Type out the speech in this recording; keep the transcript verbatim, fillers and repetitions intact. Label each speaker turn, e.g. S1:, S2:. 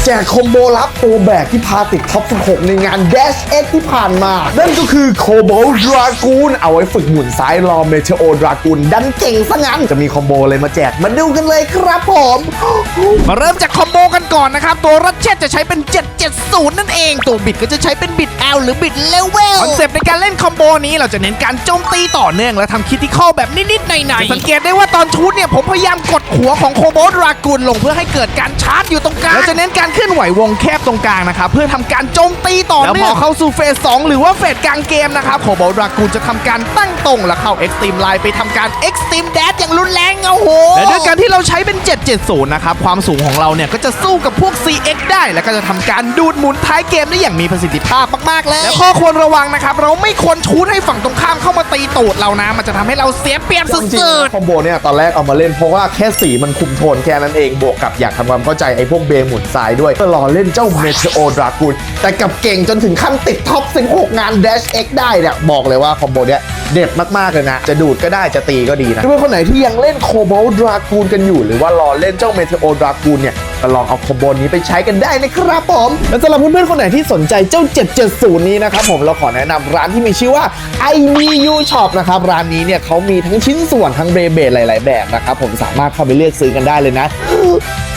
S1: แจกคอมโบลับตัวแบกที่พาติดท็อปสิบหกในงาน Dash X ที่ผ่านมานั่นก็คือโคโบดรากูนเอาไว้ฝึกหมุนซ้ายรอเมเทโอดรากูนดันเก่งซะงั้นจะมีคอมโบอะไรมาแจกมาดูกันเลยครับผม
S2: มาเริ่มจากคอมโบกันก่อนนะครับตัวรัชเชตจะใช้เป็นเจ็ดเจ็ดศูนย์นั่นเองตัวบิดก็จะใช้เป็นบิด L หรือบิดเลเวลคอนเซปต์ในการเล่นคอมโบนี้เราจะเน้นการโจมตีต่อเนื่องและทำคิดที่ข้อแบบนิดๆหน่อยๆสังเกตได้ว่าตอนชูดเนี่ยผมพยายามกดหัวของโคโบดรากูนลงเพื่อให้เกิดการชาร์จอยู่ตรงกลางเราจะเน้นการเคลื่อนไหววงแคบตรงกลางนะครับเพื่อทำการโจมตีต่อเนื่องแล้วพอเข้าสู่เฟสสองหรือว่าเฟสกลางเกมนะครับโคโบดรากูนจะทำการตั้งตรงและเข้า Extreme Line ไปทำการ Extreme Dash อย่างรุนแรงโอ้โหและด้วยการที่เราใช้เป็นเจ็ดเจ็ดศูนย์นะครับความสูงของเราเนี่ยก็จะสู้กับพวก ซี เอ็กซ์ ได้และก็จะทำการดูดหมุนท้ายเกมได้อย่างมีประสิทธิภาพมากๆเลยและข้อควรระวังนะครับเราไม่ควรชูดให้ฝั่งตรงข้ามเข้ามาตีตูดเรานะมันจะทำให้เราเสียเปรียบสุ
S1: จริง
S2: ด
S1: ๆคอมโบเนี่ยตอนแรกเอามาเล่นเพราะว่าแค่สีมันคุมโทนแค่นั้นเองบวกกับอยากทำความเข้าใจไอ้พวกเบหมุนซ้ายด้วยก็รอเล่นเจ้าเมเทโอดรากูนแต่กับเก่งจนถึงขั้นติดท็อปสิบหกงาน Dash X ได้เนี่ยบอกเลยว่าคอมโบเนี่ยเด็ดมากๆเลยนะจะดูดก็ได้จะตีก็ดีนะเพื่อนคนไหนที่ยังเล่นโคโบดรากูนกันอยู่หรือว่ารอเล่นเจ้าเมเทโอดรากูนเนี่ยก็ลองเอาคอมโบนี้ไปใช้กันได้นะครับผมและสำหรับเพื่อนๆคนไหนที่สนใจเจ้าเจ็ดเจ็ดศูนย์นี้นะครับผมเราขอแนะนำร้านที่มีชื่อว่า ไอ บี ยู Shop นะครับร้านนี้เนี่ยเขามีทั้งชิ้นส่วนทั้งเบรเบดหลายๆแบบนะครับผมสามารถเข้าไปเลือกซื้อกันได้เลยนะ